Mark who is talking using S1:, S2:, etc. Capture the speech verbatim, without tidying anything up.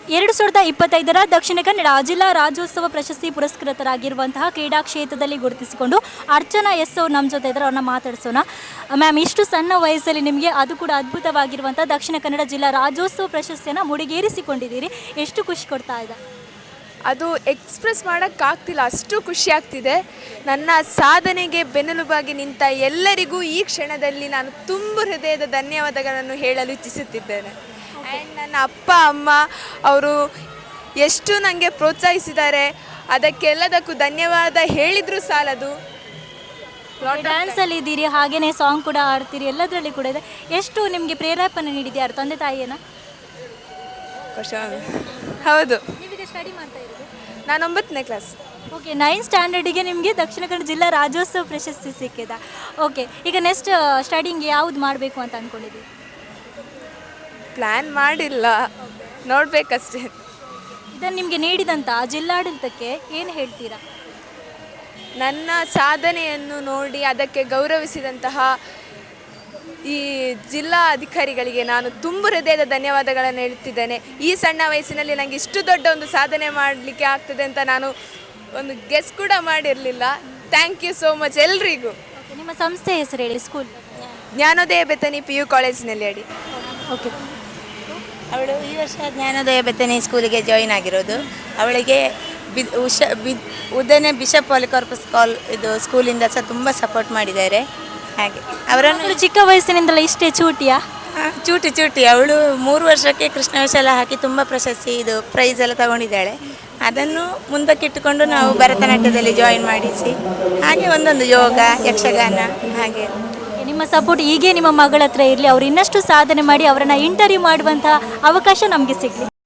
S1: ಎರಡು ಸಾವಿರದ ಇಪ್ಪತ್ತೈದರ ದಕ್ಷಿಣ ಕನ್ನಡ ಜಿಲ್ಲಾ ರಾಜ್ಯೋತ್ಸವ ಪ್ರಶಸ್ತಿ ಪುರಸ್ಕೃತರಾಗಿರುವಂತಹ ಕ್ರೀಡಾ ಕ್ಷೇತ್ರದಲ್ಲಿ ಗುರುತಿಸಿಕೊಂಡು ಅರ್ಚನಾ ಎಸ್ ಅವ್ರು ನಮ್ಮ ಜೊತೆ ಇದ್ದಾರೆ, ಅವ್ರನ್ನ ಮಾತಾಡಿಸೋಣ. ಮ್ಯಾಮ್, ಇಷ್ಟು ಸಣ್ಣ ವಯಸ್ಸಲ್ಲಿ ನಿಮಗೆ ಅದು ಕೂಡ ಅದ್ಭುತವಾಗಿರುವಂಥ ದಕ್ಷಿಣ ಕನ್ನಡ ಜಿಲ್ಲಾ ರಾಜ್ಯೋತ್ಸವ ಪ್ರಶಸ್ತಿಯನ್ನು ಮುಡಿಗೇರಿಸಿಕೊಂಡಿದ್ದೀರಿ. ಎಷ್ಟು ಖುಷಿ ಕೊಡ್ತಾ ಇದೆ?
S2: ಅದು ಎಕ್ಸ್ಪ್ರೆಸ್ ಮಾಡೋಕ್ಕಾಗ್ತಿಲ್ಲ, ಅಷ್ಟು ಖುಷಿ ಆಗ್ತಿದೆ. ನನ್ನ ಸಾಧನೆಗೆ ಬೆನ್ನೆಲುಬಾಗಿ ನಿಂತ ಎಲ್ಲರಿಗೂ ಈ ಕ್ಷಣದಲ್ಲಿ ನಾನು ತುಂಬ ಹೃದಯದ ಧನ್ಯವಾದಗಳನ್ನು ಹೇಳಲು ಇಚ್ಛಿಸುತ್ತಿದ್ದೇನೆ. ಆ್ಯಂಡ್ ನನ್ನ ಅಪ್ಪ ಅಮ್ಮ ಅವರು ಎಷ್ಟು ನನಗೆ ಪ್ರೋತ್ಸಾಹಿಸಿದ್ದಾರೆ, ಅದಕ್ಕೆಲ್ಲದಕ್ಕೂ ಧನ್ಯವಾದ ಹೇಳಿದರೂ ಸಾಲದು.
S1: ಡ್ಯಾನ್ಸಲ್ಲಿ ಇದ್ದೀರಿ, ಹಾಗೆಯೇ ಸಾಂಗ್ ಕೂಡ ಆಡ್ತೀರಿ, ಎಲ್ಲದರಲ್ಲಿ ಕೂಡ ಇದೆ. ಎಷ್ಟು ನಿಮಗೆ ಪ್ರೇರೇಪಣೆ ನೀಡಿದ್ಯಾರು, ತಂದೆ ತಾಯಿಯನ್ನ?
S2: ಹೌದು,
S1: ನೀವೀಗ ಸ್ಟಡಿ ಮಾಡ್ತಾ ಇರೋದು?
S2: ನಾನು ಒಂಬತ್ತನೇ ಕ್ಲಾಸ್.
S1: ಓಕೆ, ನೈನ್ ಸ್ಟ್ಯಾಂಡರ್ಡಿಗೆ ನಿಮಗೆ ದಕ್ಷಿಣ ಕನ್ನಡ ಜಿಲ್ಲಾ ರಾಜ್ಯೋತ್ಸವ ಪ್ರಶಸ್ತಿ ಸಿಕ್ಕಿದೆ. ಓಕೆ, ಈಗ ನೆಕ್ಸ್ಟ್ ಸ್ಟಡಿಂಗ್ ಯಾವುದು ಮಾಡಬೇಕು ಅಂತ ಅಂದ್ಕೊಂಡಿದ್ದೀವಿ?
S2: ಪ್ಲ್ಯಾನ್ ಮಾಡಿಲ್ಲ, ನೋಡಬೇಕಷ್ಟೇ.
S1: ಇದನ್ನು ನಿಮಗೆ ನೀಡಿದಂಥ ಜಿಲ್ಲಾಡಳಿತಕ್ಕೆ ಏನು ಹೇಳ್ತೀರಾ?
S2: ನನ್ನ ಸಾಧನೆಯನ್ನು ನೋಡಿ ಅದಕ್ಕೆ ಗೌರವಿಸಿದಂತಹ ಈ ಜಿಲ್ಲಾ ಅಧಿಕಾರಿಗಳಿಗೆ ನಾನು ತುಂಬ ಹೃದಯದ ಧನ್ಯವಾದಗಳನ್ನು ಹೇಳ್ತಿದ್ದೇನೆ. ಈ ಸಣ್ಣ ವಯಸ್ಸಿನಲ್ಲಿ ನನಗೆ ಇಷ್ಟು ದೊಡ್ಡ ಒಂದು ಸಾಧನೆ ಮಾಡಲಿಕ್ಕೆ ಆಗ್ತದೆ ಅಂತ ನಾನು ಒಂದು ಗೆಸ್ ಕೂಡ ಮಾಡಿರಲಿಲ್ಲ. ಥ್ಯಾಂಕ್ ಯು ಸೋ ಮಚ್ ಎಲ್ರಿಗೂ.
S1: ನಿಮ್ಮ ಸಂಸ್ಥೆ ಹೆಸರು ಹೇಳಿ. ಸ್ಕೂಲ್
S2: ಜ್ಞಾನೋದಯ ಬೆತನಿ ಪಿ ಯು ಕಾಲೇಜಿನಲ್ಲಿ ಅಡಿ.
S1: ಓಕೆ,
S3: ಅವಳು ಈ ವರ್ಷ ಜ್ಞಾನೋದಯ ಬೆತನಿ ಸ್ಕೂಲಿಗೆ ಜಾಯಿನ್ ಆಗಿರೋದು. ಅವಳಿಗೆ ಬಿ ಉಷ ಬಿ ಉದಯನೆ ಬಿಷಪ್ ಪಾಲಿಕಾರ್ಪಸ್ ಕಾಲ್ ಇದು ಸ್ಕೂಲಿಂದ ಸಹ ತುಂಬ ಸಪೋರ್ಟ್ ಮಾಡಿದ್ದಾರೆ. ಹಾಗೆ ಅವರನ್ನು
S1: ಚಿಕ್ಕ ವಯಸ್ಸಿನಿಂದಲೇ ಇಷ್ಟೇ ಚೂಟಿಯಾ?
S3: ಚೂಟಿ ಚೂಟಿ ಅವಳು ಮೂರು ವರ್ಷಕ್ಕೆ ಕೃಷ್ಣ ವೇಷ ಎಲ್ಲ ಹಾಕಿ ತುಂಬ ಪ್ರಶಸ್ತಿ ಇದು ಪ್ರೈಸ್ ಎಲ್ಲ ತಗೊಂಡಿದ್ದಾಳೆ. ಅದನ್ನು ಮುಂದಕ್ಕಿಟ್ಟುಕೊಂಡು ನಾವು ಭರತನಾಟ್ಯದಲ್ಲಿ ಜಾಯಿನ್ ಮಾಡಿಸಿ, ಹಾಗೆ ಒಂದೊಂದು ಯೋಗ, ಯಕ್ಷಗಾನ, ಹಾಗೆ
S1: ನಿಮ್ಮ ಸಪೋರ್ಟ್ ಹೀಗೆ ನಿಮ್ಮ ಮಗಳ ಹತ್ರ ಇರಲಿ. ಅವರು ಇನ್ನಷ್ಟು ಸಾಧನೆ ಮಾಡಿ ಅವರನ್ನು ಇಂಟರ್ವ್ಯೂ ಮಾಡುವಂಥ ಅವಕಾಶ ನಮಗೆ ಸಿಗಲಿ.